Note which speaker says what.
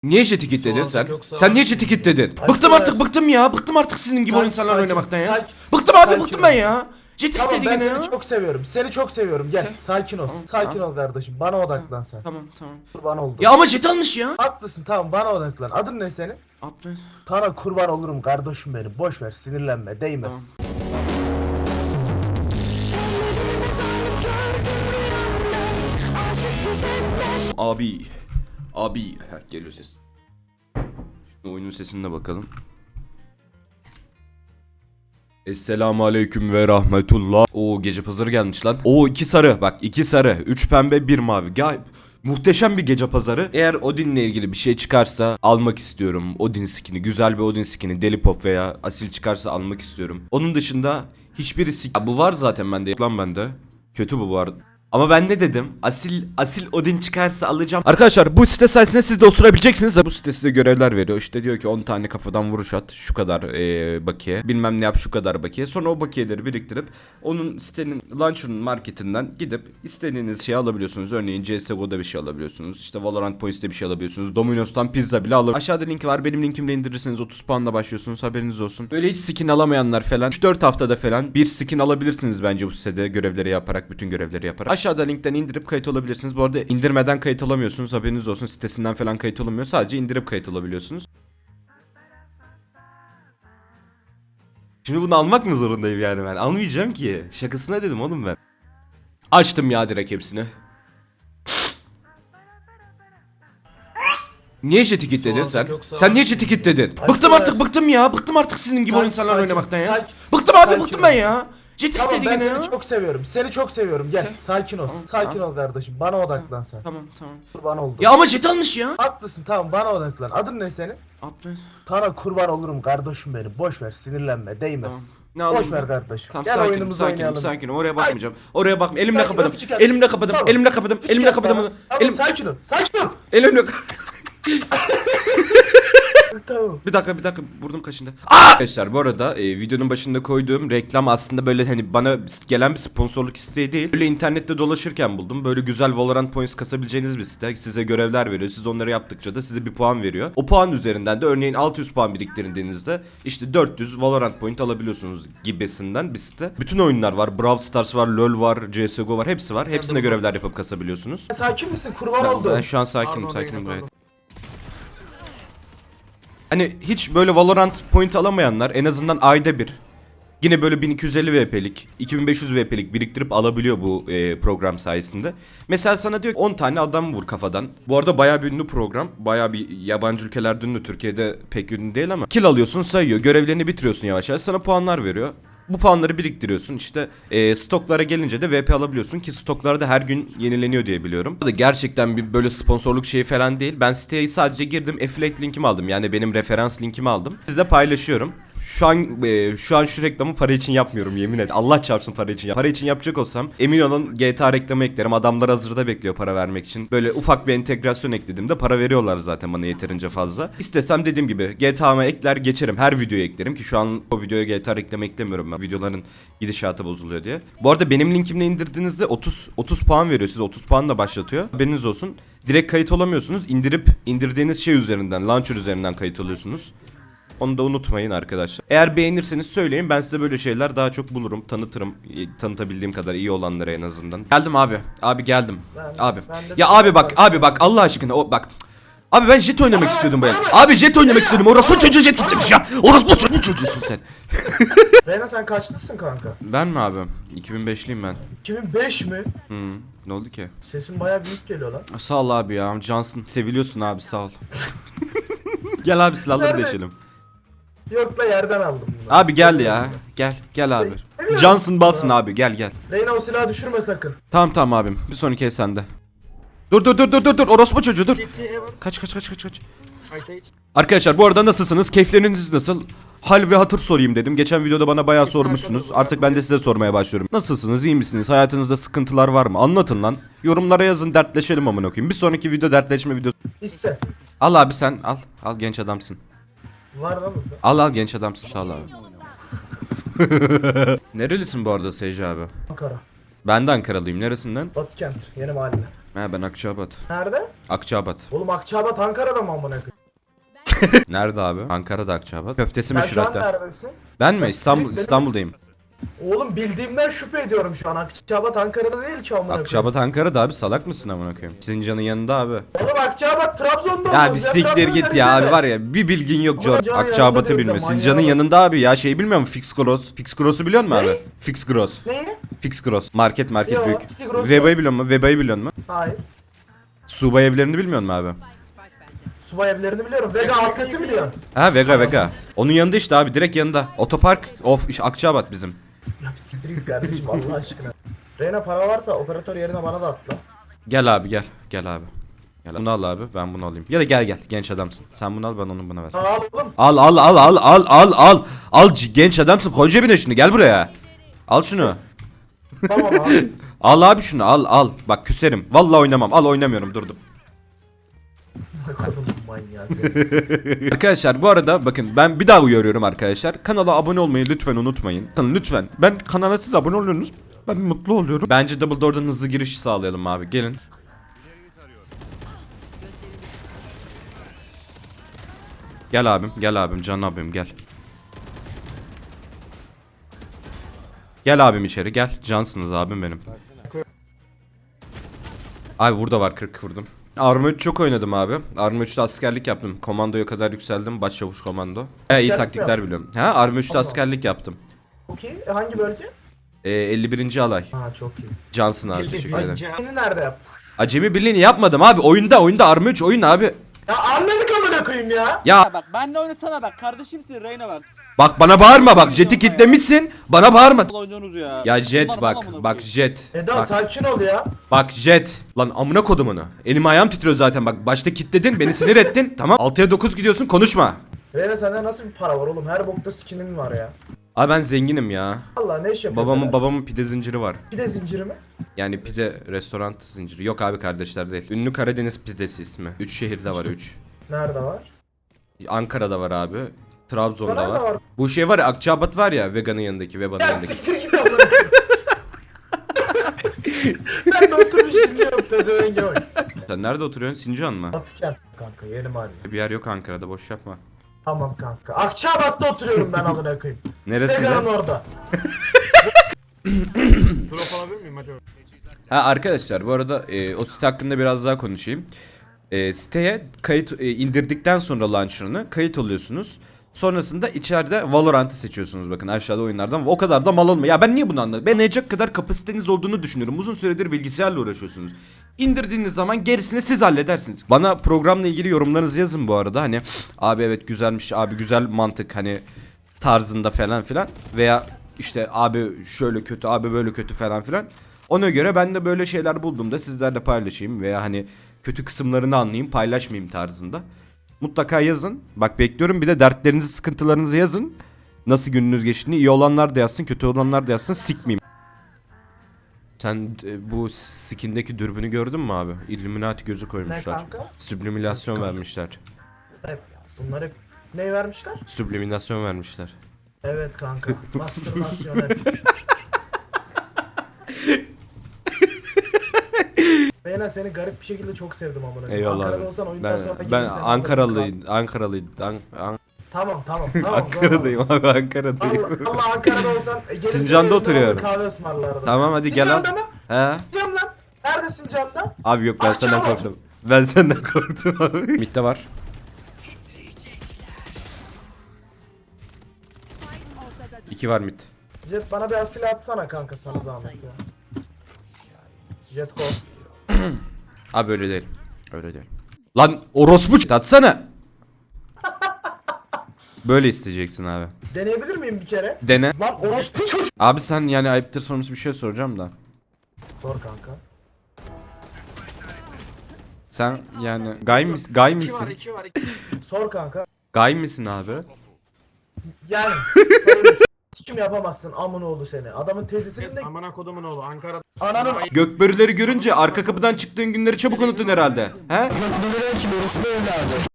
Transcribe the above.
Speaker 1: Niye jeti kilitledin sen?
Speaker 2: Yoksa-
Speaker 1: Sen niye jeti kilitledin?
Speaker 2: Ay,
Speaker 1: Bıktım
Speaker 2: evet.
Speaker 1: artık, bıktım ya. Bıktım artık sizin gibi
Speaker 2: Sakin,
Speaker 1: insanlarla
Speaker 2: sakin,
Speaker 1: oynamaktan ya.
Speaker 2: sakin.
Speaker 1: Bıktım abi,
Speaker 2: Sakin
Speaker 1: bıktım
Speaker 2: ol.
Speaker 1: ben ya. Jeti
Speaker 2: Tamam,
Speaker 1: kilitledi
Speaker 2: ben
Speaker 1: yine
Speaker 2: seni
Speaker 1: ya.
Speaker 2: çok seviyorum. Seni çok seviyorum. Gel, sakin ol. Sakin ol kardeşim. Bana odaklan sen.
Speaker 1: Tamam tamam.
Speaker 2: Kurban oldum.
Speaker 1: Ya ama jet almış ya.
Speaker 2: Haklısın, tamam, bana odaklan. Adın ne senin?
Speaker 1: Abdül.
Speaker 2: Sana kurban olurum kardeşim benim. Boş ver, sinirlenme, değmez.
Speaker 1: Tamam. Abi. Abi. Heh, geliyor ses. Şimdi oyunun sesine bakalım. Esselamu aleyküm ve rahmetullah. Oo, gece pazarı gelmiş lan. Oo, 2 sarı, bak 2 sarı, 3 pembe, 1 mavi. Muhteşem bir gece pazarı. Eğer Odin'le ilgili bir şey çıkarsa almak istiyorum. Odin skin'i, güzel bir Odin skin'i, Deli Pop veya Asil çıkarsa almak istiyorum. Onun dışında hiçbirisi... Ya bu var zaten bende. Lan bende. Kötü bu arada. Ama ben ne dedim? Asil Odin çıkarsa alacağım. Arkadaşlar bu site sayesinde siz de osurabileceksiniz. Bu site size görevler veriyor. İşte diyor ki 10 tane kafadan vuruş at. Şu kadar bakiye. Bilmem ne yap, şu kadar bakiye. Sonra o bakiyeleri biriktirip onun sitenin launcher'ın marketinden gidip istediğiniz şeyi alabiliyorsunuz. Örneğin CSGO'da bir şey alabiliyorsunuz. İşte Valorant Points'te bir şey alabiliyorsunuz. Domino's'tan pizza bile alır. Aşağıda linki var. Benim linkimle indirirseniz 30 puanla başlıyorsunuz. Haberiniz olsun. Böyle hiç skin alamayanlar falan 3-4 haftada falan bir skin alabilirsiniz bence bu sitede, görevleri yaparak, bütün görevleri yaparak. Aşağıda linkten indirip kayıt olabilirsiniz. Bu arada indirmeden kayıt olamıyorsunuz. Haberiniz olsun. Sitesinden falan kayıt olamıyor. Sadece indirip kayıt olabiliyorsunuz. Şimdi bunu almak mı zorundayım yani ben? Almayacağım ki. Şakasına dedim oğlum ben. Açtım ya direkt hepsini. Niye jeti kilitledin sen?
Speaker 2: Yoksa-
Speaker 1: Sen niye jeti kilitledin?
Speaker 2: Ay,
Speaker 1: Bıktım
Speaker 2: evet.
Speaker 1: artık, bıktım ya. Bıktım artık sizin gibi
Speaker 2: Sakin,
Speaker 1: insanlarla
Speaker 2: sakin,
Speaker 1: oynamaktan ya.
Speaker 2: sakin.
Speaker 1: Bıktım abi,
Speaker 2: Sakin
Speaker 1: bıktım
Speaker 2: ol.
Speaker 1: ben ya. Jeti
Speaker 2: Tamam,
Speaker 1: kilitledi
Speaker 2: ben
Speaker 1: yine
Speaker 2: seni
Speaker 1: ya.
Speaker 2: çok seviyorum. Seni çok seviyorum. Gel, sakin ol. Sakin ol kardeşim. Bana odaklan sen.
Speaker 1: Tamam tamam.
Speaker 2: Kurban oldum.
Speaker 1: Ya ama jet almış ya.
Speaker 2: Haklısın, tamam, bana odaklan. Adın ne senin?
Speaker 1: Abdül.
Speaker 2: Sana kurban olurum kardeşim benim. Boş ver, sinirlenme, değmez.
Speaker 1: Tamam. Ne alayım
Speaker 2: Boş ver
Speaker 1: ben?
Speaker 2: kardeşim.
Speaker 1: Tamam,
Speaker 2: Gel
Speaker 1: sakinim,
Speaker 2: oyunumuzu
Speaker 1: sakinim,
Speaker 2: oynayalım.
Speaker 1: sakinim. Oraya bakmayacağım. Oraya bakma. Elimle
Speaker 2: Sakin ol,
Speaker 1: kapadım.
Speaker 2: küçük at.
Speaker 1: Elimle kapadım.
Speaker 2: Tamam.
Speaker 1: Elimle kapadım.
Speaker 2: Küçük
Speaker 1: Elimle
Speaker 2: at
Speaker 1: kapadım.
Speaker 2: bana. Tamam,
Speaker 1: Elim
Speaker 2: sakin ol. Sakin ol.
Speaker 1: elimle
Speaker 2: Tamam.
Speaker 1: Bir dakika, burnum kaşındı. Arkadaşlar bu arada videonun başında koyduğum reklam aslında böyle hani bana gelen bir sponsorluk isteği değil. Böyle internette dolaşırken buldum. Böyle güzel Valorant Points kasabileceğiniz bir site. Size görevler veriyor. Siz onları yaptıkça da size bir puan veriyor. O puan üzerinden de örneğin 600 puan biriktirdiğinizde işte 400 Valorant Point alabiliyorsunuz gibisinden bir site. Bütün oyunlar var. Brawl Stars var, LoL var, CSGO var. Hepsi var. Hepsinde görevler yapıp kasabiliyorsunuz.
Speaker 2: Sakin misin? Kurban oldum.
Speaker 1: Ben şu an sakinim,
Speaker 2: Pardon,
Speaker 1: sakinim
Speaker 2: yine
Speaker 1: gayet.
Speaker 2: pardon.
Speaker 1: Hani hiç böyle Valorant point alamayanlar en azından ayda bir yine böyle 1250 VP'lik 2500 VP'lik biriktirip alabiliyor bu program sayesinde. Mesela sana diyor 10 tane adam vur kafadan. Bu arada bayağı bir ünlü program. Bayağı bir yabancı ülkelerde ünlü. Türkiye'de pek ünlü değil ama. Kill alıyorsun, sayıyor. Görevlerini bitiriyorsun yavaş yavaş. Sana puanlar veriyor. Bu puanları biriktiriyorsun. İşte stoklara gelince de VP alabiliyorsun ki stoklar da her gün yenileniyor diye biliyorum. Bu da gerçekten bir böyle sponsorluk şeyi falan değil. Ben siteye sadece girdim, affiliate linkimi aldım. Yani benim referans linkimi aldım. Sizle paylaşıyorum. Şu an şu reklamı para için yapmıyorum, yemin et. Allah çarpsın para için. Para için yapacak olsam emin olun GTA reklamı eklerim. Adamlar hazırda bekliyor para vermek için. Böyle ufak bir entegrasyon eklediğimde para veriyorlar zaten bana yeterince fazla. İstesem dediğim gibi GTA'ma ekler geçerim. Her videoya eklerim ki şu an o videoya GTA reklamı eklemiyorum ben. Videoların gidişatı bozuluyor diye. Bu arada benim linkimle indirdiğinizde 30 puan veriyor. Size 30 puanla başlatıyor. Haberiniz olsun. Direkt kayıt olamıyorsunuz. İndirdiğiniz şey üzerinden, launcher üzerinden kayıt oluyorsunuz. Onu da unutmayın arkadaşlar. Eğer beğenirseniz söyleyin, ben size böyle şeyler daha çok bulurum, tanıtırım. Tanıtabildiğim kadar iyi olanlara en azından. Geldim abi. Abi geldim. Abi. Ya abi bak Allah aşkına bak. Abi ben jet oynamak istiyordum bayağı. Abi jet oynamak istiyordum. Orası çocuğu jet gitmiş ya. Orası bu çocuğusun sen.
Speaker 2: Reyna, sen kaçlısın kanka?
Speaker 1: Ben mi abi? 2005'liyim ben.
Speaker 2: 2005 mi?
Speaker 1: Ne oldu ki?
Speaker 2: Sesin baya büyük geliyor lan.
Speaker 1: Sağ ol abi ya. Cansın. Seviliyorsun abi, sağ ol. Gel abi silahları
Speaker 2: Nerede?
Speaker 1: değişelim.
Speaker 2: Yok la, yerden aldım bunu.
Speaker 1: Abi gel ya. Gel abi. Johnson basın abi, gel.
Speaker 2: Reyna, o silahı düşürme sakın.
Speaker 1: Tamam abim. Bir sonraki el sende. Dur. Orospu çocuğu dur. Kaç. Arkadaşlar bu arada nasılsınız? Keyifleriniz nasıl? Hal ve hatır sorayım dedim. Geçen videoda bana bayağı sormuşsunuz. Artık ben de size sormaya başlıyorum. Nasılsınız? İyi misiniz? Hayatınızda sıkıntılar var mı? Anlatın lan. Yorumlara yazın, dertleşelim amına koyayım. Bir sonraki video dertleşme videosu.
Speaker 2: İste.
Speaker 1: Al abi sen al. Al genç adamsın.
Speaker 2: Var lan burada.
Speaker 1: Al genç adamsın, sağ ol abi. Nerelisin bu arada Seyci abi?
Speaker 2: Ankara.
Speaker 1: Ben de Ankaralıyım. Neresinden?
Speaker 2: Batıkent. Yeni mahalle.
Speaker 1: Ben Akçaabat.
Speaker 2: Nerede?
Speaker 1: Akçaabat.
Speaker 2: Oğlum Akçaabat Ankara'da mı amına koyayım?
Speaker 1: Nerede abi? Ankara'da Akçabat. Köftesi
Speaker 2: Sen
Speaker 1: meşhur
Speaker 2: şu an
Speaker 1: hatta.
Speaker 2: neredesin?
Speaker 1: Ben mi?
Speaker 2: Benim-
Speaker 1: İstanbul'dayım.
Speaker 2: Oğlum bildiğimden şüphe ediyorum şu an. Akçabat Ankara'da değil ki amına koyayım.
Speaker 1: Akçabat Ankara'da abi, salak mısın amına koyayım? Sincan'ın yanında abi.
Speaker 2: Oğlum Akçabat Trabzon'da
Speaker 1: Ya
Speaker 2: olmaz
Speaker 1: bir siktir
Speaker 2: Trabzon'da
Speaker 1: git ya
Speaker 2: neresinde?
Speaker 1: abi, var ya bir bilgin yok
Speaker 2: Ama
Speaker 1: Cor.
Speaker 2: Sincan'ın yanında
Speaker 1: Akçabat'ı
Speaker 2: değil de
Speaker 1: bilmiyor.
Speaker 2: manyağı
Speaker 1: Sincan'ın
Speaker 2: var.
Speaker 1: yanında abi ya, şey bilmiyor musun? Fix Gross. Fix Gross'u biliyor musun
Speaker 2: Ne?
Speaker 1: abi? Fix Gross.
Speaker 2: Neyi?
Speaker 1: Fix Gross. Market
Speaker 2: Yo,
Speaker 1: büyük.
Speaker 2: Fix Gross
Speaker 1: Veba'yı biliyor musun? Veba'yı biliyor musun?
Speaker 2: Hayır.
Speaker 1: Subay evlerini bilmiyor musun abi?
Speaker 2: Subay evlerini biliyorum. Vega Alkat'ı biliyorum.
Speaker 1: Ha Vega. Onun yanında işte abi, direkt yanında. Otopark of işte Akçabat bizim.
Speaker 2: Ya bir siktir git kardeşim Allah aşkına. Reyna para varsa operatör yerine bana da atla.
Speaker 1: Gel abi gel. Gel abi. Gel. Bunu al abi, ben bunu alayım. Ya da gel genç adamsın. Sen bunu al, ben onu bana ver.
Speaker 2: Al oğlum.
Speaker 1: Al genç adamsın, koy cebine şunu, gel buraya. Al şunu.
Speaker 2: Tamam abi.
Speaker 1: Al abi şunu, al. Bak küserim. Vallahi oynamam. Al, oynamıyorum, durdum.
Speaker 2: Kadın manyağı seni.
Speaker 1: Arkadaşlar bu arada bakın, ben bir daha uyarıyorum arkadaşlar. Kanala abone olmayı lütfen unutmayın. Lütfen. Ben kanala siz abone oluyorsunuz. Ben mutlu oluyorum. Bence Double Door'dan hızlı giriş sağlayalım abi. Gelin. Gel abim, can abim gel. Gel abim içeri gel. Cansınız abim benim. Abi burada var, 40 vurdum. Arma 3 çok oynadım abi. Arma 3'te askerlik yaptım. Komandoya kadar yükseldim. Başçavuş komando. İyi
Speaker 2: Askerlik
Speaker 1: taktikler
Speaker 2: yaptın?
Speaker 1: biliyorum. Ha, Arma 3'te
Speaker 2: Allah.
Speaker 1: askerlik yaptım.
Speaker 2: Okey. Hangi bölge?
Speaker 1: 51. alay.
Speaker 2: Ha çok iyi.
Speaker 1: Cansın abi, teşekkür ederim.
Speaker 2: Seni nerede yaptın?
Speaker 1: Acemi birliğini yapmadım abi. Oyunda Arma 3 oyun abi.
Speaker 2: Ya anladık amına koyayım ya.
Speaker 1: Ya
Speaker 3: Bak benle oynasana bak kardeşimsin Reyna bak.
Speaker 1: bak bana bağırma bak. Jet'i kitlemişsin. Bana bağırma.
Speaker 3: Vallahi oynuyorsunuz ya.
Speaker 1: Ya Jet
Speaker 3: Bunlar
Speaker 1: bak.
Speaker 3: bana amına
Speaker 1: Bak
Speaker 3: koyayım.
Speaker 1: Jet.
Speaker 2: Eda
Speaker 1: Bak,
Speaker 2: sakin ol ya.
Speaker 1: bak Jet. Lan amına kodumunu. Elim ayağım titriyor zaten. Bak başta kitledin. Beni sinir ettin. Tamam. 6'ya 9 gidiyorsun, konuşma.
Speaker 2: Reyna sende nasıl bir para var oğlum? Her bokta skinin var ya.
Speaker 1: Abi ben zenginim ya.
Speaker 2: Allah ne iş yapıyorsun?
Speaker 1: Babamın pide zinciri var.
Speaker 2: Bir de zinciri mi?
Speaker 1: Yani pide restoran zinciri. Yok abi, kardeşler değil. Ünlü Karadeniz pidesi ismi. 3 şehirde var, 3.
Speaker 2: Nerede var?
Speaker 1: Ankara'da var abi. Trabzon'da
Speaker 2: Nerede
Speaker 1: var.
Speaker 2: var?
Speaker 1: Bu şey var ya, Akçabat var ya, Vega'nın yanındaki, Veba'nın
Speaker 2: Ya
Speaker 1: yanındaki.
Speaker 2: siktir git amına koyayım. Ben de oturmuş dinliyorum pezevenge bak.
Speaker 1: Sen nerede oturuyorsun? Sincan mı?
Speaker 2: Batıken kanka yeni mahalle.
Speaker 1: Bir yer yok Ankara'da, boş yapma.
Speaker 2: Tamam kanka. Akçabat'ta oturuyorum ben amına koyayım.
Speaker 1: Neresinde?
Speaker 2: Vega'nın orada.
Speaker 4: Drop alabilir miyim hadi?
Speaker 1: Ha arkadaşlar, bu arada o site hakkında biraz daha konuşayım. Siteye kayıt indirdikten sonra launcher'ını kayıt oluyorsunuz. Sonrasında içeride Valorant'ı seçiyorsunuz, bakın aşağıda oyunlardan. O kadar da mal olma. Ya ben niye bunu anladım? Ben anlayacak kadar kapasiteniz olduğunu düşünüyorum. Uzun süredir bilgisayarla uğraşıyorsunuz. İndirdiğiniz zaman gerisini siz halledersiniz. Bana programla ilgili yorumlarınızı yazın bu arada. Hani abi evet güzelmiş, abi güzel mantık hani tarzında falan filan. Veya işte abi şöyle kötü, abi böyle kötü falan filan. Ona göre ben de böyle şeyler bulduğumda sizlerle paylaşayım. Veya hani kötü kısımlarını anlayayım, paylaşmayayım tarzında. Mutlaka yazın. Bak bekliyorum. Bir de dertlerinizi, sıkıntılarınızı yazın. Nasıl gününüz geçtiğini. İyi olanlar da yazsın, kötü olanlar da yazsın. Sikmeyeyim. Sen bu skindeki dürbünü gördün mü abi? Illuminati gözü
Speaker 2: Ne
Speaker 1: koymuşlar.
Speaker 2: kanka?
Speaker 1: Subliminasyon vermişler.
Speaker 2: Hep, bunlar hep ne vermişler?
Speaker 1: Subliminasyon vermişler.
Speaker 2: Evet kanka. Mastürbasyon hep. Reyna seni garip bir şekilde çok sevdim amına koyayım.
Speaker 1: Eyvallah
Speaker 2: Ankara'da
Speaker 1: abi.
Speaker 2: olsan oyundan sonra
Speaker 1: Ben
Speaker 2: gelirsen
Speaker 1: Ankaralıyım.
Speaker 2: Tamam.
Speaker 1: Ankara'dayım abi, Ankara'dayım.
Speaker 2: Allah Ankara'da olsan gelirsen
Speaker 1: Sincan'da
Speaker 2: evimde
Speaker 1: oturuyorum.
Speaker 2: bana Kahve ısmarlardım.
Speaker 1: Tamam hadi gel al.
Speaker 2: Sincan'da mı?
Speaker 1: He?
Speaker 2: Sincan lan. Neredesin Can'da?
Speaker 1: Abi yok, ben senden
Speaker 2: Akçabat.
Speaker 1: korktum. Ben senden korktum abi. Mid'de var. İki var mid.
Speaker 2: Jet bana bir asil atsana kanka sana zahmet ya. Jet go.
Speaker 1: Abi öyle değil. Öyle değil. Lan orospu atsana. Böyle isteyeceksin abi.
Speaker 2: Deneyebilir miyim bir kere?
Speaker 1: Dene.
Speaker 2: Lan orospu çocuk.
Speaker 1: Abi sen yani ayıptır sorması bir şey soracağım da.
Speaker 2: Sor kanka.
Speaker 1: Sen yani gay
Speaker 4: İki
Speaker 1: misin?
Speaker 4: var, iki var, iki.
Speaker 2: Sor kanka.
Speaker 1: Gay misin abi?
Speaker 2: Yani. Sikim yapamazsın amın oğlu seni. Adamın teyzesinin de
Speaker 4: Amına kodumun oğlu Ankara.
Speaker 2: ananın
Speaker 1: Gökbörüleri görünce arka kapıdan çıktığın günleri çabuk unuttun herhalde. He?